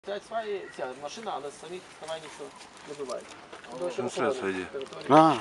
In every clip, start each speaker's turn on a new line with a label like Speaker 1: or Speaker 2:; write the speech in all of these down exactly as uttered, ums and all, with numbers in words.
Speaker 1: Стоять сваї, ця машина, але самі ставай нічого не бувають.
Speaker 2: Ну, все, сойди.
Speaker 3: А,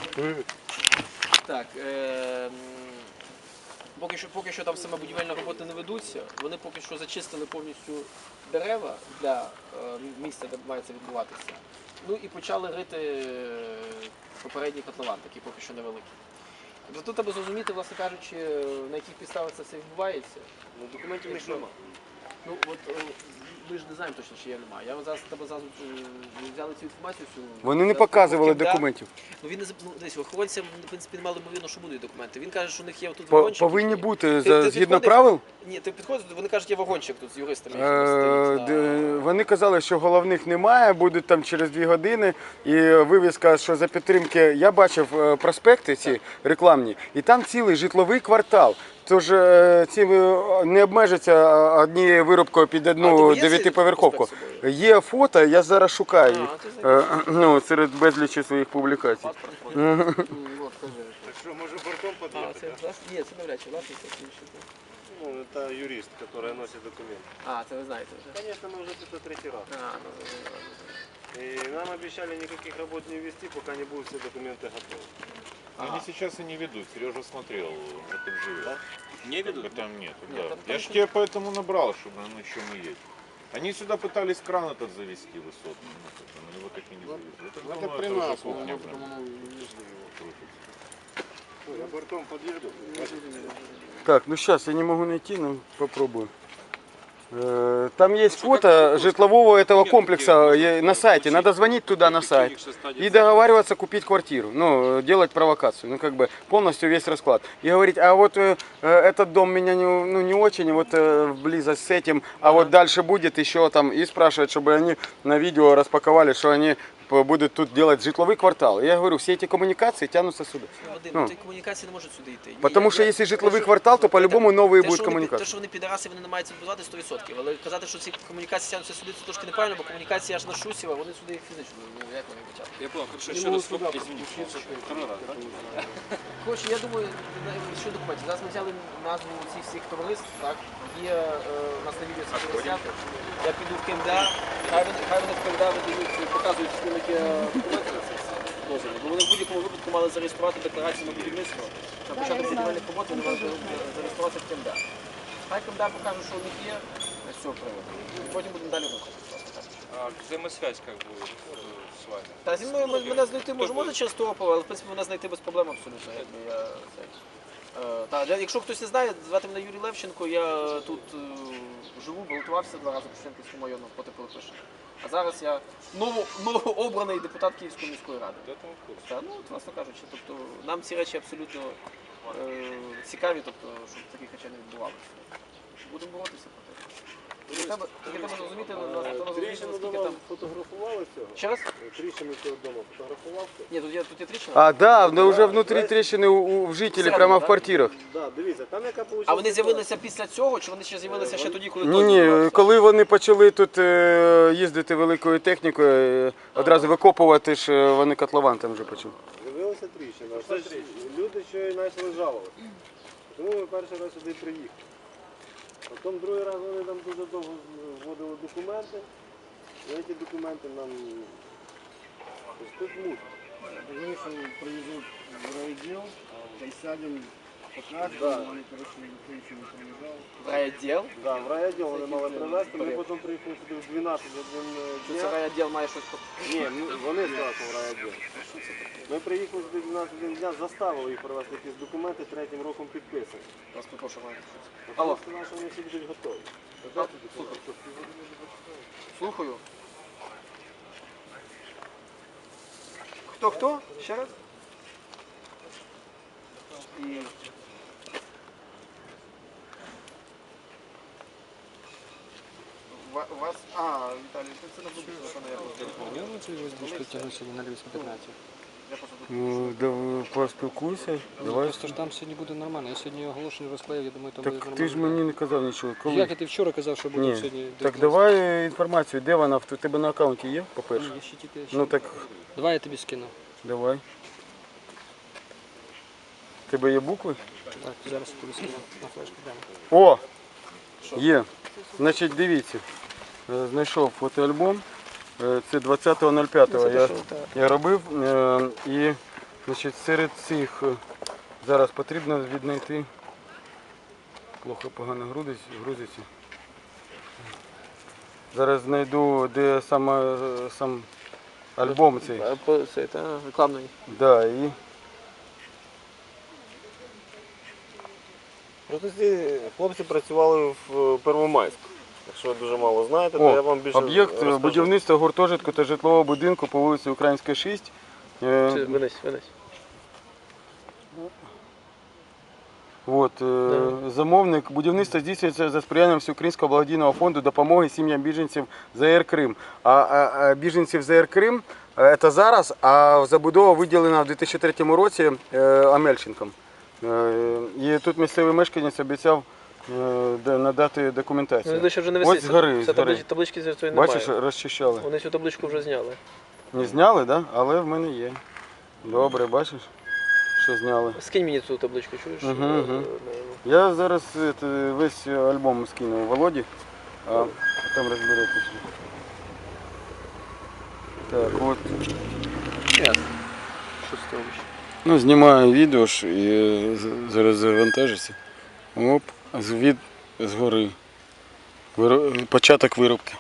Speaker 1: Так, е поки що, поки що там саме будівельні роботи не ведуться, вони поки що зачистили повністю дерева для е місця, де має це відбуватися. Ну і почали рити попередній котлован, такий поки що невеликий. Тобто тут треба зрозуміти, власне кажучи, на яких підставах це все відбувається.
Speaker 2: Ну, документів не немає.
Speaker 1: Ну, от ми ж не знаємо точно, чи є немає. Я зараз тебе зараз взяли цю інформацію. Всю,
Speaker 3: вони не
Speaker 1: зараз
Speaker 3: показували
Speaker 1: потім,
Speaker 3: документів.
Speaker 1: Да. Ну він не ну, десь охоронцям, в принципі, не мали ймовірно, що будуть документи. Він каже, що у них є тут
Speaker 3: По-
Speaker 1: вагончик.
Speaker 3: Повинні
Speaker 1: який-
Speaker 3: бути
Speaker 1: Ти-
Speaker 3: за-
Speaker 1: ти
Speaker 3: згідно
Speaker 1: підходиш?
Speaker 3: правил.
Speaker 1: Ні, ти підходиш, вони кажуть, є вагончик тут з юристами.
Speaker 3: Е,
Speaker 1: який стоїть,
Speaker 3: де-
Speaker 1: да.
Speaker 3: Вони казали, що головних немає, будуть там через дві години. І вивіска, що за підтримки, я бачив е, проспекти ці рекламні, і там цілий житловий квартал. Тож е, ці е, не обмежаться однією виробкою під
Speaker 1: А,
Speaker 3: одну
Speaker 1: тобі є цей
Speaker 3: дев'ятиповерховку.
Speaker 1: проспект з собою?
Speaker 3: Є фото, я зараз шукаю їх
Speaker 1: А, ти знаєш.
Speaker 3: е, ну, серед безлічі своїх публікацій.
Speaker 1: Паспорт, м, от, кажи.
Speaker 2: Так що, може бортом
Speaker 1: А,
Speaker 2: під'їхати?
Speaker 1: це власне? Ні, це навряд чи власне, це інший.
Speaker 2: Ну, це юрист, який носить документи.
Speaker 1: А, це ви знаєте вже.
Speaker 2: Конечно, мы уже это третий раз.
Speaker 1: А, ну, ну, ну, ну.
Speaker 2: И нам обещали никаких работ не вести, пока не будут все документы готовы.
Speaker 4: Но они сейчас и не ведут. Сережа смотрел, как он живет.
Speaker 2: Да?
Speaker 4: Не ведут? Там нет,
Speaker 1: Нет,
Speaker 4: да.
Speaker 1: там
Speaker 4: Я
Speaker 1: там
Speaker 4: ж
Speaker 1: что-
Speaker 4: тебя поэтому набрал, чтобы на чем и есть. Они сюда пытались кран этот завести высотный, ну, как бы, но его так и не завезли. Это,
Speaker 2: Это
Speaker 4: думаю,
Speaker 2: при
Speaker 4: это уже
Speaker 2: нас,
Speaker 4: кухня,
Speaker 2: ну,
Speaker 4: блин, крутится.
Speaker 2: Я бортом подъеду.
Speaker 3: Так, ну сейчас я не могу найти, но попробую. Э, Там есть фото житлового этого комплекса э, на сайте. Надо звонить туда на сайт и договариваться купить квартиру. Ну, э, делать провокацию. Ну, как бы полностью весь расклад. И говорить, а вот э, э, этот дом меня не, ну, не очень, вот э, близость с этим, а вот дальше будет еще там. И спрашивать, чтобы они на видео распаковали, что они будут тут делать житловый квартал. Я говорю, все эти коммуникации тянутся сюда.
Speaker 1: Ну, Вадим,
Speaker 3: Ну.
Speaker 1: ті комунікації не можуть сюди йти. Ні,
Speaker 3: Потому
Speaker 1: я-
Speaker 3: что
Speaker 1: я-
Speaker 3: если
Speaker 1: те,
Speaker 3: житловый
Speaker 1: що-
Speaker 3: квартал, то по-любому новые
Speaker 1: те,
Speaker 3: будут
Speaker 1: що вони пі-
Speaker 3: коммуникации.
Speaker 1: Те, що вони підараси, вони не мають це відбувати сто відсотків. Але казати, що ці комунікації тягнуться сюди, це трошки неправильно, бо комунікації аж на Шусєва, вони сюди фізично, ну як вони почали.
Speaker 5: Я понял, хорошо,
Speaker 2: Не
Speaker 5: еще
Speaker 2: могу
Speaker 5: раз, стоп,
Speaker 2: туда
Speaker 5: извините,
Speaker 2: подключиться,
Speaker 5: второй раз, да?
Speaker 1: Коротше, я думаю, на- що документів. Зараз ми взяли назву цих всіх товариств, так? Є е, у нас на відео це буде знято. Я піду в КМДА, хай вони, хай вони в КМДА видають, показують скільки документи на це все дозволу. Бо вони в будь-якому випадку мали зареєструвати декларацію на будівництво. На початок будівельних робот вони мали зареєструватися в КМДА. Хай КМДА покаже, що у них є з цього приводу. І потім будемо далі рухатися.
Speaker 5: А взаимосвязь как бы э, с вами?
Speaker 1: Та зі мною ми- мене знайти може, може через Торопова, але в принципі мене знайти без проблем абсолютно. Якби я, це, е, та, для- якщо хтось не знає, звати мене Юрій Левченко, я тут е, живу, балотувався два рази по Шевченківському району проти Пилипишина. А зараз я ново, новообраний депутат Київської міської ради.
Speaker 5: Вот это вот курс.
Speaker 1: Та, ну, от, власне кажучи, тобто, нам ці речі абсолютно е, цікаві, тобто, щоб таких речей не відбувалося. Будемо боротися проти. Тільки треба, тільки треба зрозуміти, на- треба зрозуміти,
Speaker 2: Тріщину
Speaker 1: наскільки
Speaker 2: дома
Speaker 1: там...
Speaker 2: фотографували цього?
Speaker 1: Ще раз?
Speaker 2: Тріщину цього дома фотографував?
Speaker 1: Ні, тут є, тут є тріщина.
Speaker 3: А, да, но уже внутри трещины у, у жителей, прямо в квартирах.
Speaker 2: Да, дивіться, там яка вийшла.
Speaker 1: А вони з'явилися після цього, чи вони ще з'явилися ще тоді, коли
Speaker 3: Ні,
Speaker 1: той
Speaker 3: ні,
Speaker 1: відбувався?
Speaker 3: коли вони почали тут е, їздити великою технікою, е, одразу викопувати ж е, вони котлован там вже почали.
Speaker 2: З'явилася тріщина. Це ж люди ще й почали жалуватися. Тому ми перший раз сюди приїхали. Потім другий раз вони там дуже довго вводили документи. І ці документи нам ось тут муть.
Speaker 6: Вышел, привезут в райотдел, присядем, покажем,
Speaker 2: Да.
Speaker 6: они, короче, никто ничего не приезжал.
Speaker 1: В райвідділ?
Speaker 2: Да, в райвідділ вони мали привезти, ми потім приїхали сюди в дванадцять один
Speaker 1: Чи це
Speaker 2: дня.
Speaker 1: райвідділ має щось...
Speaker 2: Ні, ми- вони зразу в райвідділ. Ми приїхали сюди в дванадцять один дня, заставили їх привезти якісь документи, третім роком підписані.
Speaker 1: Вас попрошу, має щось.
Speaker 2: Алло.
Speaker 1: Алло.
Speaker 2: Сказали, що вони всі будуть готові.
Speaker 1: А, Слухаю. Хто-хто? Ще раз? І... Ва- У вас... А, Віталій, це- це не буде телефон, я просто...
Speaker 7: Я вот здесь будешь тянуть сегодня на Львівську п'ятнадцять.
Speaker 1: Я просто тут...
Speaker 3: Ну, да, поспілкуйся, давай.
Speaker 7: Просто ж там сьогодні буде нормально. Я сьогодні оголошення розклеїв, я думаю, там буде
Speaker 3: Так
Speaker 7: нормально.
Speaker 3: ти ж мені не казав нічого. Коли?
Speaker 7: Як ти вчора казав, що буде
Speaker 3: Ні,
Speaker 7: сьогодні?
Speaker 3: так
Speaker 7: дев'ятнадцять?
Speaker 3: давай інформацію, де вона, в тебе на аккаунті є, по-перше?
Speaker 7: Ні, я ще тільки...
Speaker 3: Ну так,
Speaker 7: Давай я тобі скину.
Speaker 3: давай. В тебе є букви?
Speaker 7: Так, зараз я тобі скину на флешку. Дам.
Speaker 3: О! Є. Значить, дивіться. е, знайшов фотоальбом. Е, Це двадцятого ноль п'ятого я, я робив. Е, І значить, серед цих е, зараз потрібно віднайти. Плохо погано грузиться. грузиться. Зараз знайду, де саме е, сам альбом цей.
Speaker 1: А, по- Це, та, рекламний.
Speaker 3: Да, і
Speaker 2: Просто ці хлопці працювали в Первомайську. Якщо ви дуже мало знаєте, то
Speaker 3: О,
Speaker 2: я вам більше
Speaker 3: об'єкт
Speaker 2: розкажу.
Speaker 3: будівництва гуртожитку та житлового будинку по вулиці Українська, шість. Е,
Speaker 1: Це, Винись, винись.
Speaker 3: От, е, замовник будівництва здійснюється за сприянням Всеукраїнського благодійного фонду допомоги сім'ям біженців ЗР Крим. А, а, а біженців ЗР Крим е, це зараз, а забудова виділена в дві тисячі третьому році е, Амельченком. Е, і тут місцевий мешканець обіцяв е, де- надати документацію.
Speaker 1: Вони ще вже не
Speaker 3: Ось
Speaker 1: висить.
Speaker 3: згори,
Speaker 1: Це
Speaker 3: згори.
Speaker 1: таблич- таблички з цієї немає.
Speaker 3: Бачиш, розчищали.
Speaker 1: Вони цю табличку вже зняли.
Speaker 3: Не зняли, да? Але в мене є. Добре, бачиш, що зняли.
Speaker 1: Скинь мені цю табличку, чуєш?
Speaker 3: Мгм,
Speaker 1: Е,
Speaker 3: мгм.
Speaker 1: е,
Speaker 3: Я зараз это, весь альбом скину Володі, а там розберетесь. Так, от.
Speaker 1: Ясно. Що з того?
Speaker 3: Ну, знімаю відео ж і з- зараз завантажиться. Оп, звід згори. Виро- Початок виробки.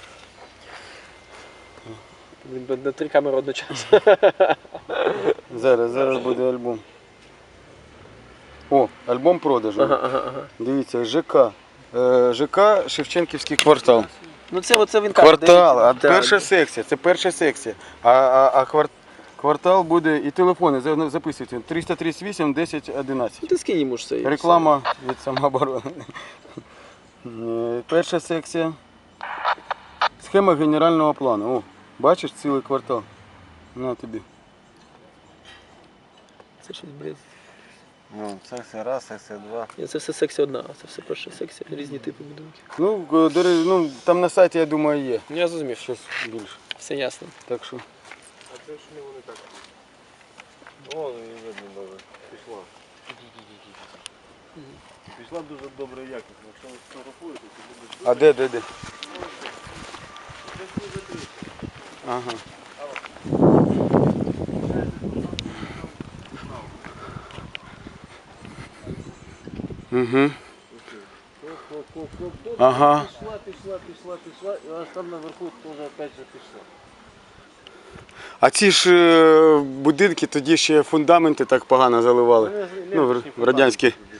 Speaker 1: Блін, на три камери одночасно.
Speaker 3: Зараз, зараз буде альбом. О, альбом продажу.
Speaker 1: Ага, ага, ага.
Speaker 3: Дивіться, ЖК. Е, ЖК Шевченківський квартал.
Speaker 1: Ну це оце він каже.
Speaker 3: Квартал, а
Speaker 1: дивіться.
Speaker 3: перша секція, це перша секція. А, а, а квар- квартал буде і телефони за- записуйте. триста тридцять вісім десять одинадцять.
Speaker 1: Ну, ти скинь йому ж це. і
Speaker 3: Реклама від самооборони. Е, Перша секція. Схема генерального плану. О, бачиш цілий квартал. На тобі.
Speaker 1: все. Це щось, блін.
Speaker 2: Ну, секція раз, секція два.
Speaker 1: Ні, це все секція одна, а це все перша секція, різні типи будинків.
Speaker 3: Ну, е, до речі, ну, там на сайті, я думаю, є.
Speaker 1: Ну я зрозумів, що
Speaker 3: Щось більше.
Speaker 1: все ясно.
Speaker 3: Так що.
Speaker 2: А це ж не вони так. О, її видно добре. Пішла. Пішла дуже добре якісно. Якщо ви сфотографуєте, то буде
Speaker 3: А де, де, де? Ага. Угу. Ага.
Speaker 2: пішла, пішла, пішла, пішла, і аж там наверху теж опять же пішла.
Speaker 3: А ці ж е, будинки тоді ще фундаменти так погано заливали. Ну, в, в радянські